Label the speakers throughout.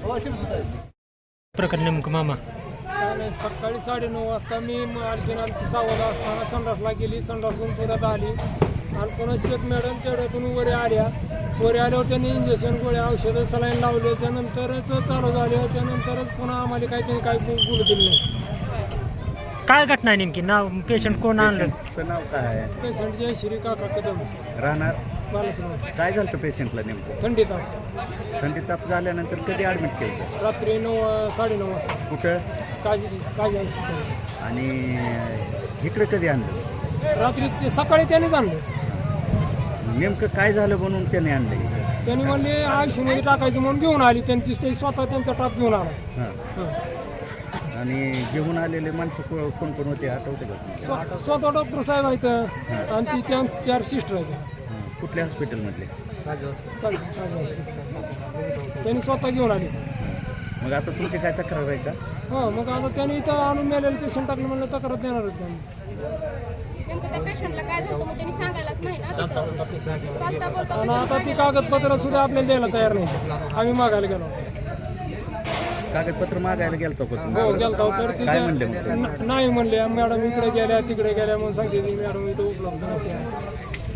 Speaker 1: प्रकरण नेमकं मामा?
Speaker 2: काय नाही, सकाळी 9:30 वाजता मी आणखीन आमची 6:15 असताना संडासला गेली. संडासून परत आली आणि पुन्हा शेख मॅडम तेवढ्यातून वर आल्यावर त्यांनी इंजेक्शन गोळ्या औषधं सलाईन लावल्याच्या नंतरच चालू झाल्याच्या नंतरच पुन्हा आम्हाला काही बोलू दिलं नाही.
Speaker 1: काय घटना आहे नेमकी? नाव पेशंट कोण आणलं?
Speaker 3: नाव काय आहे?
Speaker 2: पेशंट जयश्री काका कदम
Speaker 3: राहणार
Speaker 2: बालासराव.
Speaker 3: काय झालं होतं पेशंटला नेमकं?
Speaker 2: थंडी ताप.
Speaker 3: थंडी ताप झाल्यानंतर कधी ॲडमिट केलं?
Speaker 2: रात्री 9-9:30 वाजता
Speaker 3: कुठं?
Speaker 2: काजी हॉस्पिटल.
Speaker 3: आणि इकडे कधी आणलं?
Speaker 2: रात्री सकाळी त्यानेच आणलं.
Speaker 3: नेमकं काय झालं म्हणून त्याने आणलं इकडं?
Speaker 2: त्यांनी म्हणले आयुष्यमध्ये टाकायचं म्हणून घेऊन आली. ते स्वतः त्यांचा टाप घेऊन आला.
Speaker 3: हां. आणि घेऊन आलेले माणसं कोण कोण होते आठवते का?
Speaker 2: स्वतः डॉक्टर साहेब आहेत आणि ती 4 सिस्टर आहेत.
Speaker 3: कुठल्या हॉस्पिटलमधले?
Speaker 2: त्यांनी स्वतः घेऊन आली.
Speaker 3: मग आता तुमची काय तक्रार आहे का?
Speaker 2: हो, मग आता त्यांनी इथं आणून मेलेलं पेशंट टाकलं म्हणलं तक्रार देणारच नाही.
Speaker 4: नेमकं त्या पेशंटला काय झालं मग त्यांनी सांगायलाच नाही ना तिथं. चालता बोलता
Speaker 2: आणि आता ती कागदपत्र सुद्धा आपल्याला द्यायला तयार नाही. आम्ही मागायला गेलो.
Speaker 3: कागदपत्र मागायला गेलतो का
Speaker 2: हो,
Speaker 3: तुम्ही?
Speaker 2: गेलतो. तर
Speaker 3: काय म्हणले मग?
Speaker 2: नाही म्हणले मॅडम इकडे गेल्या तिकडे गेल्या म्हणून सांगते ती मॅडम इथं उपलब्ध नाही.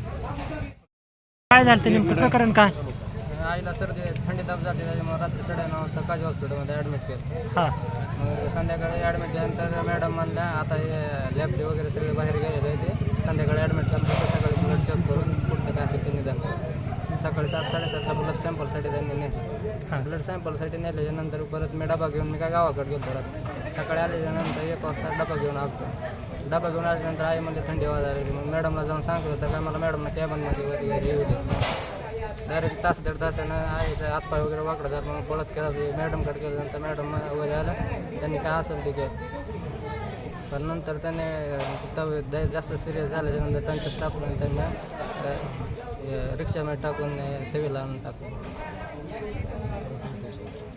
Speaker 1: काय झालं नेमकं प्रकरण काय?
Speaker 5: आईला सर्दी थंडी ताप जाते, त्याच्यामुळे रात्री 9:30 वाजता काजी हॉस्पिटलमध्ये ॲडमिट केलं.
Speaker 1: हां.
Speaker 5: मग संध्याकाळी ॲडमिट केल्यानंतर मॅडम म्हणल्या आता हे लॅबचे वगैरे सगळे बाहेर गेलेले आहे, ते संध्याकाळी ॲडमिट केल्यानंतर सकाळी ब्लड चेक करून पुढचं काय असेल ते निदान करून सकाळी 7-7:30ला ब्लड सॅम्पलसाठी त्यांनी नेलं. ब्लड सॅम्पलसाठी नेल्याच्यानंतर परत मी डबा घेऊन मी काय गावाकडे गेलो. परत सकाळी आल्याच्यानंतर 1 वाजता डबा घेऊन आलो. डबा घेऊन आल्यानंतर आई म्हणजे थंडी वाजायला. मग मॅडमला जाऊन सांगितलं तर काय मला मॅडमला कॅबनमध्ये वगैरे येऊ दे. डायरेक्ट 1-1.5 तासानं आईचा हातपाय वगैरे वाकडं झालं. मग पळत केला मॅडमकडे गेल्यानंतर मॅडम वगैरे आलं. त्यांनी काय असेल ते केलं. पण नंतर त्याने जास्त सिरियस झाल्याच्यानंतर त्यांच्या स्टाफला त्यांना रिक्षामध्ये टाकून सेवेला आणून टाकलं.